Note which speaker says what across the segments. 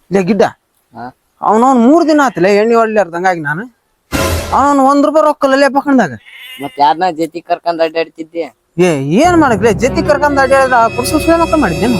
Speaker 1: ಲೇ ಗಿಡ್ಡ ಅವನವ್ನು 3 ದಿನ ಆತಲೆ ಎಣ್ಣೆ ಹೊಡ್ಲಾರ್ದಂಗಾಗಿ ನಾನು ಅವನು ₹1 ರೊಕ್ಕಲ್ಲೇ ಪಕ್ಕಂದಾಗ
Speaker 2: ಮತ್ ಯಾರನ್ನ ಜೊತೆ ಕರ್ಕೊಂಡ್ ಅಡ್ಡಾಡ್ತಿದ್ದೆ
Speaker 1: ಏನ್ ಮಾಡಕ್ಲೆ ಜೊತೆ ಕರ್ಕೊಂಡ್ ಅಡ್ಡಾಡಿದ ಪುರುಷ ಮಕ್ಕ ಮಾಡಿದ್ದೇನು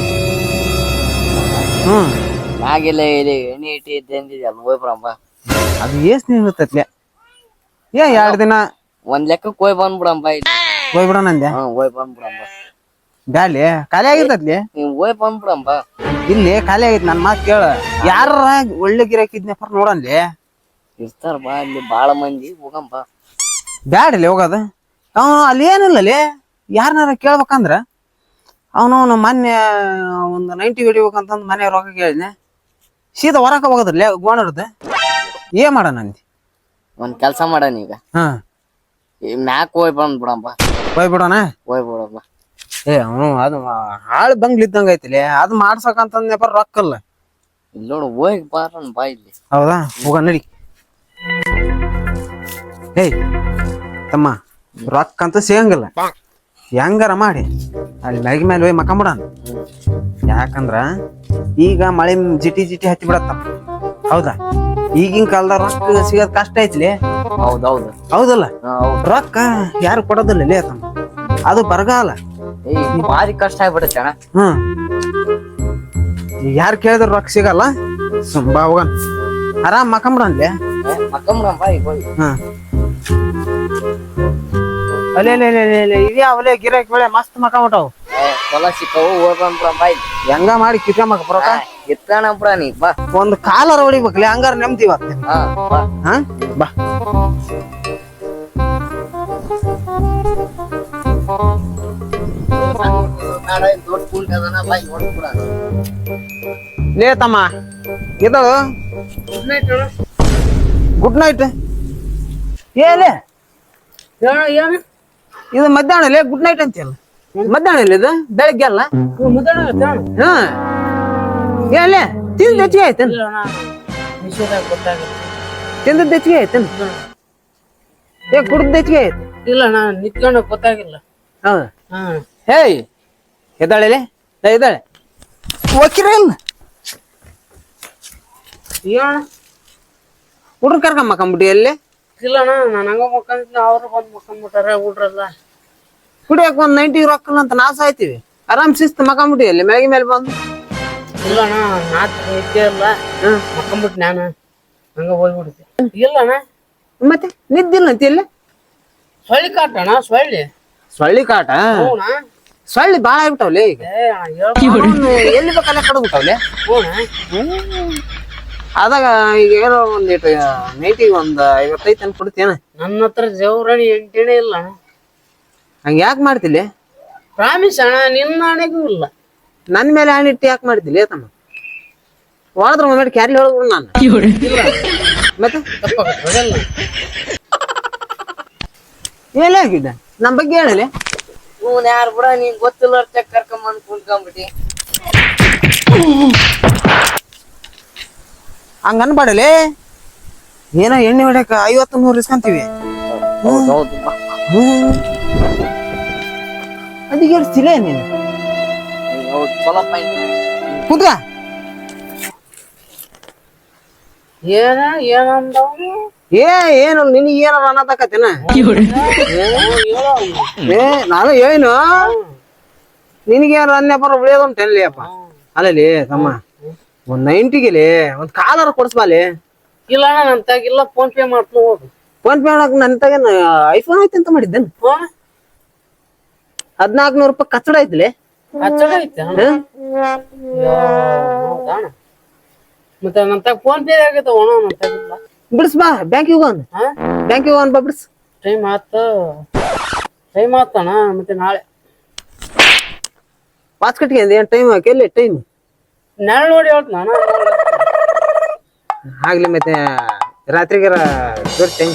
Speaker 2: ಮ್ಯಾಗೆಲ್ಲ ಎಣ್ಣೆ ಇಟ್ಟಿದ್ದೆ ಅಂದಿದ್ಯಲ್ಲ ಹೋಯ್ ಬರಂಬ
Speaker 1: ಅದು ಏಸ್ ನಿಲ್ತತ್ಲೆ 2 ದಿನ
Speaker 2: ಒಂದ್ ಲೆಕ್ಕಕ್ಕೆ ಹೋಯ್ ಬಂದ್ಬಿಡಂಬ
Speaker 1: ಹೋಗ್ಬಿಡೋಣ ಅಂದೆ
Speaker 2: ಹೋಯ್ ಬಂದ್ಬಿಡಂಬ
Speaker 1: ಬ್ಯಾಡ್ಲಿ ಖಾಲಿ ಆಗಿರ್ತತ್ಲಿ
Speaker 2: ನೀವ್ ಹೋಯ್ ಬಂದ್ಬಿಡಂಬ
Speaker 1: ಇಲ್ಲಿ ಖಾಲಿ ಆಗೈತಿ ನನ್ ಮಾತ್ ಕೇಳ ಯಾರ ಒಳ್ಳೆ ಗಿರಾಕಿದ್ನಪ್ಪ ನೋಡನ್ಲಿ
Speaker 2: ಇರ್ತಾರ ಬಾ ಅಲ್ಲಿ ಬಾಳ ಮಂದಿ ಹೋಗಂಬ
Speaker 1: ಬ್ಯಾಡಲಿ ಹೋಗೋದು ಅಲ್ಲಿ ಏನಿಲ್ಲಲಿ ಯಾರನಾರ ಕೇಳ್ಬೇಕಂದ್ರ ಅವನು ಮೊನ್ನೆ ಒಂದು 90 ಹೊಡಿಬೇಕಂತಂದು ಮನೆ ರೊಕ್ಕ ಕೇಳಿದ್ನೆ ಸೀದಾ ಹೊರಕ ಹೋಗೋದ್ರಲ್ಲ ಗೋಣರ್ದ ಏನ್ ಮಾಡೋಣ ಅಂದಿ
Speaker 2: ಒಂದ್ ಕೆಲ್ಸ ಮಾಡಣ ಈಗ ಮ್ಯಾಕ್ ಹೋಯ್ ಬಂದ್ಬಿಡಂಬ
Speaker 1: ಹೋಗ್ಬಿಡೋಣ
Speaker 2: ಹೋಯ್ಬಿಡಂಬ
Speaker 1: ಅವನು ಅದು ಹಾಳು ಬಂಗ್ಲಿದ್ದಂಗ ಐತಿಲಿ ಅದು ಮಾಡ್ಸಕಂತಂದ್ನಪ್ಪ ರೊಕ್ಕಲ್ಲ
Speaker 2: ಇಲ್ಲಿ ನೋಡು ಹೋಗಿ ಬಾರಣ ಬಾ ಇಲ್ಲಿ
Speaker 1: ಹೌದಾ ಹೋಗ ನಡಿ ತಮ್ಮ ರೊಕ್ಕ ಅಂತ ಸಿಗಂಗಿಲ್ಲ ಹೆಂಗಾರ ಮಾಡಿ ಅಲ್ಲಿ ಮ್ಯಾಗಿ ಮೇಲೆ ಹೋಗಿ ಮಕ್ಕಂಬಿಡಣ ಯಾಕಂದ್ರ ಈಗ ಮಳೆ ಜಿಟಿ ಜಿಟಿ ಹತ್ತಿ ಬಿಡತ್ತ ಹೌದಾ ಈಗಿನ ಕಾಲದ ರೊಕ್ಕ ಸಿಗೋದ್ ಕಷ್ಟ ಐತ್ಲಿ
Speaker 2: ಹೌದೌದು
Speaker 1: ಹೌದಲ್ಲ ರೊಕ್ಕ ಯಾರು ಕೊಡೋದಿಲ್ಲ ಲೇ ತಮ್ಮ ಅದು ಬರಗಾಲ
Speaker 2: ಭಾರಿ ಕಷ್ಟ ಆಗ್ಬಿಡುತ್ತೆ ಅಣ್ಣ
Speaker 1: ಯಾರು ಕೇಳಿದ್ರ ರೊಕ್ಕ ಸಿಗಲ್ಲ ಬಾ ಹೋಗನ್ ಆರಾಮ್ ಮಕ್ಕಂಬಿಡನ್ಲೆ
Speaker 2: ಮಕ್ಕಂಬಿಡಂಬ ಈಗ ಹೋಗಿ
Speaker 1: ಅಲ್ಲೇ ಇದ್ಯಾ ಅವಲೇ ಗಿರಾಕಿ ಬೆಳೆ ಮಸ್ತ್ ಮಕ್ಕಂಬಿಟ್ಟವು
Speaker 2: ಹೊಲ ಸಿಕ್ಕವು ಹೋಗ್ ಬಂದ್ಬಿಡಂಬ
Speaker 1: ಹೆಂಗ ಮಾಡಿ ಕಿತ್ಕೊಂಬಕ ಬರೋಕ
Speaker 2: ಎತ್ತಣಂಬ್ರ ನೀ ಬಾ
Speaker 1: ಒಂದು ಕಾಲರ ಹೊಡಿಬೇಕಲ್ಲ ಹಂಗಾರ ನೆಮ್ಮದಿ ಇವತ್ತು ಬಾ ಲೇ ತಮ್ಮ ಇದು ಗುಡ್ ನೈಟ್ ಏಲೇ ಇದು ಮಧ್ಯಾಹ್ನ ಲೇ ಗುಡ್ ನೈಟ್ ಅಂತೀಯಲ್ಲ ಮಧ್ಯಾಹ್ನ ಇಲ್ಲ ಇದು ಬೆಳಗ್ಗೆ ಅಲ್ಲ ಏಲೇ ತಿಂದ ಹೆಚ್ಚಿಗೆ ಆಯ್ತೇನು ತಿಂದದ್ದು ಹೆಚ್ಚಿಗೆ ಆಯ್ತೇನು ಕುಡ್ದು ಹೆಚ್ಚಿಗೆ ಆಯ್ತು
Speaker 3: ಇಲ್ಲ ನಾ ನಿತ್ಕೊಂಡು ಗೊತ್ತಾಗಿಲ್ಲ
Speaker 1: ಹೇಯ್ ಎದ್ದಾಳೆ ಎದ್ದಾಳೆ ಓಕಿರ ಇಲ್ಲ ಹುಡ್ರ ಕರ್ಕೊಂಬಕ್ಕಂಬಿಟ್ಟಿ ಎಲ್ಲಿ
Speaker 3: ಇಲ್ಲಣ್ಣ ನಾನು ಹಂಗ ಮಕ್ಕಂದಿದ್ನ ಅವ್ರು ಬಂದ್ ಮಕ್ಕಂಬಿಟ್ಟಾರ ಹುಡ್ರಲ್ಲ
Speaker 1: ಕುಡಿಯಕ್ ಒಂದ್ 90 ರೊಕ್ಕಲ್ಲ ಅಂತ ನಾವ್ ಸಾಯ್ತೀವಿ ಆರಾಮ್ ಶಿಸ್ತು ಮಕ್ಕಂಬಿಟ್ಟಿ ಎಲ್ಲಿ ಮ್ಯಾಗಿ ಮೇಲೆ ಬಂದು
Speaker 3: ಇಲ್ಲಣ್ಣ ನಾತ್ ನಿದ್ದೆ ಇಲ್ಲ ಮಕ್ಕಂಬಿಟ್ಟು ನಾನು ಹಂಗ ಹೋಗ್ಬಿಡ್ತೆ ಇಲ್ಲಣ್ಣ
Speaker 1: ಮತ್ತೆ ನಿದ್ದಿಲ್ಲ ಅಂತ ಎಲ್ಲಿ
Speaker 3: ಸೊಳ್ಳಿ ಕಾಟಣ್ಣ
Speaker 1: ಸೊಳ್ಳಿ ಕಾಟ ಸೊಳ್ಳಿ ಬಾಳ ಆಗ್ಬಿಟ್ಟವ್ಲೆ ಈಗ ಎಲ್ಲಿ ಬೇಕಲ್ಲ ಕಡ್ಬಿಟ್ಟವ್ಲೆ ಅದಾಗ ಈಗ ಏನೋ ಒಂದಿಟ್ಟು ನೈಟಿಗೆ ಒಂದ್ 55 ಅನ್ ಕೊಡ್ತೇನ
Speaker 3: ನನ್ನ ಹತ್ರ ಜವರಣಿ 8 ಇಲ್ಲ
Speaker 1: ಹಂಗ ಯಾಕೆ ಮಾಡ್ತಿಲ್ಲ
Speaker 3: ಪ್ರಾಮಿಸ್ ಅಣ್ಣ ನಿನ್ನ ಆಣೆಗೂ ಇಲ್ಲ
Speaker 1: ನನ್ ಮೇಲೆ ಹಣ್ಣಿಟ್ಟು ಯಾಕೆ ಮಾಡ್ತಿಲ್ಲ ತಮ್ಮ ಹೊಡೆದ್ರ ಒಮ್ಮೆ ಕ್ಯಾರ್ಲಿ ಹೊಡೆದ್ಬಿಡು ನಾನು ಮತ್ತೆ ಏನಾಗಿದೆ ನಮ್ ಬಗ್ಗೆ ಹೇಳಲಿ
Speaker 2: ಇವ್ನ ಯಾರು ಬಿಡ ನೀನ್ ಗೊತ್ತಿಲ್ಲ ಕರ್ಕೊಂಬಂದ್ ಕುಂತ್ಕೊಂಡ್ಬಿಟ್ಟಿ
Speaker 1: ಹಂಗ ಅನ್ಬಾಡಲಿ ಏನೋ ಎಣ್ಣೆ ಹೊಡ್ಯಾಕ 50-100 ಇಸ್ಕೊಂತೀವಿ ಅದಕ್ಕೆ ಹೇಳ್ತಿಲ್ಲ ನೀನು ಕುಂತ್ಕ
Speaker 3: ಏನಂದವನು
Speaker 1: ಏನು ನಿನಗೆ ಏನಾರ ಅನ್ನತಕತ್ತೇನ ನಾನು ಏನು ನಿನಗೇನಾರ ಅನ್ಯಪರ ಉಳಿಯೋದಂತೇನ್ಲಿ ಅಪ್ಪ ಅಲ್ಲಲಿ ತಮ್ಮ ಒಂದ್ 90ಗೆಲಿ ಒಂದ್ ಕಾಲರ ಕೊಡ್ಸ್ಬಾಲಿ
Speaker 3: ಇಲ್ಲ ಅಣ್ಣ ನನ್ ತಾಗಿಲ್ಲ ಫೋನ್ ಪೇ ಮಾಡ್ತೀನಿ ಹೋಗು
Speaker 1: ಫೋನ್ ಪೇ ಮಾಡಕ್ ನನ್ ತಗೇನು ಐಫೋನ್ ಐತಿ ಅಂತ ಮಾಡಿದ್ದೇನೆ 1400 ರೂಪಾಯಿ ಕಚ್ಚಡ ಐತಿಲಿ
Speaker 3: ಹಚ್ಚಡ ಐತೆ ಮತ್ತೆ ನನ್ ತಾಗ ಫೋನ್ ಪೇ ಆಗೈತೆ ಒಣ ನನ್ ತಾಗಿಲ್ಲ
Speaker 1: ಬಿಡಿಸ್ ಬಾ ಬ್ಯಾಂಕಿಗೆ ಹೋಗೋಣ ಬಾ ಬಿಡಿಸ್
Speaker 3: ಟೈಮ್ ಆತಣ್ಣ ಮತ್ತೆ ನಾಳೆ
Speaker 1: ವಾಚ್ ಕಟ್ಟಿಗೆ ಏನ್ ಟೈಮ್ ಎಲ್ಲಿ ಟೈಮ್
Speaker 3: ನಾಳೆ ನೋಡಿ ಹೇಳ್ತೀನಿ ಅಣ್ಣ
Speaker 1: ಆಗ್ಲಿ ಮತ್ತೆ ರಾತ್ರಿಗೆ ಜೋಡಿಸ್ತೇನೆ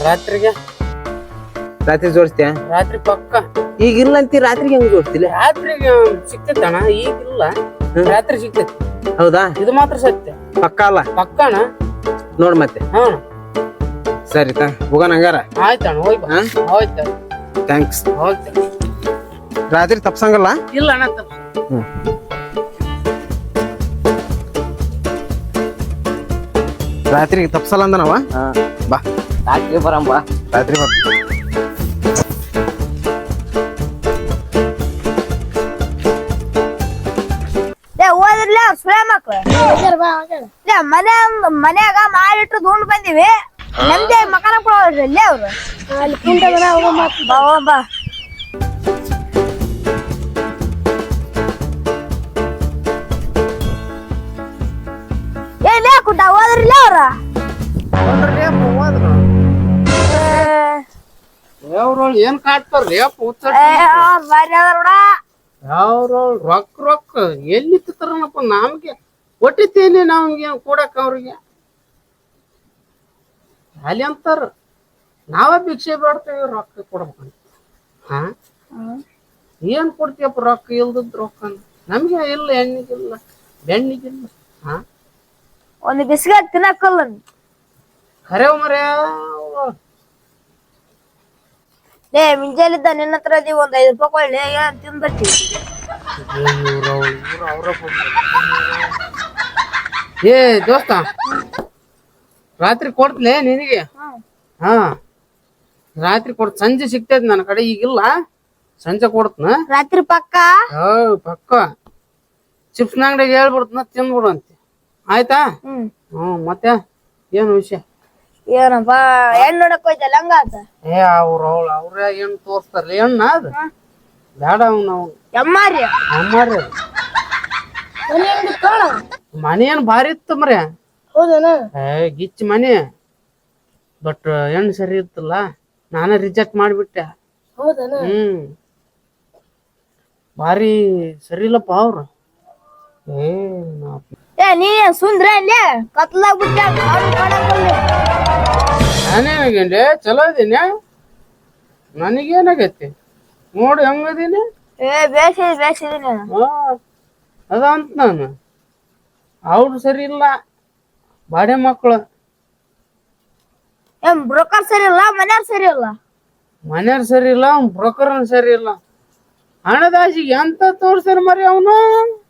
Speaker 1: ರಾತ್ರಿ ಜೋಡಿಸ್ತೇ
Speaker 3: ರಾತ್ರಿ ಪಕ್ಕ
Speaker 1: ಈಗ ಇಲ್ಲ ಅಂತಿ ರಾತ್ರಿಗೆ ಹೆಂಗ್ ಜೋಡಿಸ್ತಿಲ್ಲ
Speaker 3: ರಾತ್ರಿಗೆ ಸಿಕ್ತೈತಣ್ಣ ಈಗಿಲ್ಲ ರಾತ್ರಿ ಸಿಕ್ತೈತಿ
Speaker 1: ಹೌದಾ
Speaker 3: ಇದು ಮಾತ್ರ ಸತ್ಯ
Speaker 1: ಪಕ್ಕ ಅಲ್ಲ
Speaker 3: ಪಕ್ಕಣ
Speaker 1: ನೋಡ್ ಮತ್ತೆ ಸರಿ ಹೋಗೋಣ ಹಂಗಾರ
Speaker 3: ಆಯ್ತಣ್ಣ ಹೋಯ್ತು ಹೋಯ್ತು
Speaker 1: ಥ್ಯಾಂಕ್ಸ್
Speaker 3: ಹೋಯ್ತು
Speaker 1: ರಾತ್ರಿ ತಪ್ಸಂಗಲ್ಲ
Speaker 3: ಇಲ್ಲ ಅಣ್ಣ
Speaker 1: ರಾತ್ರಿಗೆ ತಪ್ಸಲ್ಲ ಅಂದನವ. ಬಾ
Speaker 2: ರಾತ್ರಿ ಬರಂಬ.
Speaker 1: ರಾತ್ರಿ ಬಾ.
Speaker 4: ಓದಿರ್ಲಿ ಅವ್ರ ಸುಳೆ ಮಕ್ಳು ಮನ್ಯಾಗ ಮಾಡಿಟ್ಟು ದುಂಡ್ ಬಂದಿವಿ ನಮ್ದೇ ಮಕಾನ ಕೊಡೋದ್ರಲ್ಲಿ ಅವ್ರು ಅಲ್ಲಿ ಕುಂಟ ಬಾ ಬಾ ಏನ್ ಕುಂಟ ಓದ್ರಲ್ಲ ಅವ್ರ
Speaker 3: ಯಾವ್ರೊಳ್ ಏನ್ ಕಾಡ್ತಾರ್ರಿ
Speaker 4: ಬಾರಿ ಅದಾರ
Speaker 3: ಯಾವ್ರೊಳ್ ರೊಕ್ಕ ಎಲ್ಲಿ ತರನಪ್ಪ ನಮ್ಗೆ ಒಟ್ಟಿತೇಲಿ ನಮ್ಗೆ ಕೊಡಕ್ ಅವ್ರಿಗೆ ಅಲ್ಲಿ ಅಂತಾರ ನಾವ ಭಿಕ್ಷೆ ಬೇಡ್ತೇವಿ ರೊಕ್ಕ ಕೊಡ್ಬೇಕಂತ. ಹಾ ಏನ್ ಕೊಡ್ತೀಯಪ್ಪ ರೊಕ್ಕ ಇಲ್ದದ್ ರೊಕ್ಕ ನಮ್ಗೆ ಇಲ್ಲ ಹೆಣ್ಣಿಗಿಲ್ಲ ಬೆಣ್ಣಿಗಿಲ್ಲ. ಹಾ
Speaker 4: ಒಂದು ಬಿಸ್ಕೆಟ್ ತಿನ್ನಕ್ಕಲ್ಲ
Speaker 3: ಖರೇವ್ ಮರ್ಯ
Speaker 4: ಮುಂಜಾಲಿದ್ದ ನಿನ್ನ ಹತ್ರ ಇದೀವಿ ಒಂದ್ 5 ರೂಪಾಯಿ ಕೊಳ್ಳಿ ಏನ್ ತಿಂದ್ಬಿಟ್ಟಿ.
Speaker 3: ಏ ದೋಸ್ತ ರಾತ್ರಿ ಕೊಡ್ತಲೇ ನಿನಗೆ. ಹಾ ರಾತ್ರಿ ಕೊಡ್ತ ಸಂಜೆ ಸಿಗ್ತೈತಿ ನನ್ನ ಕಡೆ ಈಗಿಲ್ಲ ಸಂಜೆ ಕೊಡ್ತನ
Speaker 4: ರಾತ್ರಿ ಪಕ್ಕ
Speaker 3: ಪಕ್ಕ ಚಿಪ್ಸ್ ಅಂಗಡಿಗೆ ಹೇಳ್ಬಿಡ್ತನ ತಿಂದ್ಬಿಡು ಅಂತೆ ಆಯ್ತಾ. ಮತ್ತೆ ಏನು ವಿಷಯ
Speaker 4: ಏನಪ್ಪ ಹೆಣ್ಣು ನೋಡಕ್ ಹೋಯ್ತಲ್ಲ ಹಂಗಾತ
Speaker 3: ಏ ಅವ್ರ ಹೆಣ್ಣು ತೋರ್ಸ್ತಾರಲ್ಲ ಹೆಣ್ಣ ಅದು ಬೇಡ ನಾವು
Speaker 4: ಎಮ್ಮಾರಿ
Speaker 3: ಅಮ್ಮಾರಿ ಮನೆ ಏನ್ ಭಾರಿ ಇತ್ತು ಮರ್ಯ.
Speaker 4: ಹೌದನ
Speaker 3: ಗಿಚ್ಚ ಮನೆ ಬಟ್ ಹೆಣ್ಣು ಸರಿ ಇತ್ತಲ್ಲ ನಾನೇ ರಿಜೆಕ್ಟ್ ಮಾಡಿಬಿಟ್ಟೆ.
Speaker 4: ಹೌದನ
Speaker 3: ಭಾರಿ ಸರಿ ಇಲ್ಲಪ್ಪ ಅವ್ರು.
Speaker 4: ಏ ನೀ ಸುಂದ್ರ ಅಲ್ಲೇ ಕತ್ಲಾಗ್ ಬಿಟ್ಟ
Speaker 3: ನಾನೇನಾಗೇನ್ರಿ ಚಲೋ ಇದೀನಿ ನನಗೇನಾಗೈತಿ ನೋಡಿ ಹೆಂಗದೀನಿ.
Speaker 4: ಬೇಸಿದೀನಿ
Speaker 3: ಅದಂತ ನಾನು ಅವ್ರು ಸರಿ ಇಲ್ಲ ಬಾಡೆ ಮಕ್ಕಳು.
Speaker 4: ಏನ್ ಬ್ರೋಕರ್ ಸರಿ ಇಲ್ಲ ಮನ್ಯಾರ್ ಸರಿ ಇಲ್ಲ
Speaker 3: ಮನೆಯವ್ರು ಸರಿ ಇಲ್ಲ ಬ್ರೋಕರ್ ಸರಿ ಇಲ್ಲ. ಹಣದಾಸಿಗೆ ಎಂತ ತೋರ್ಸ್ತಾರ ಮರಿ ಅವನು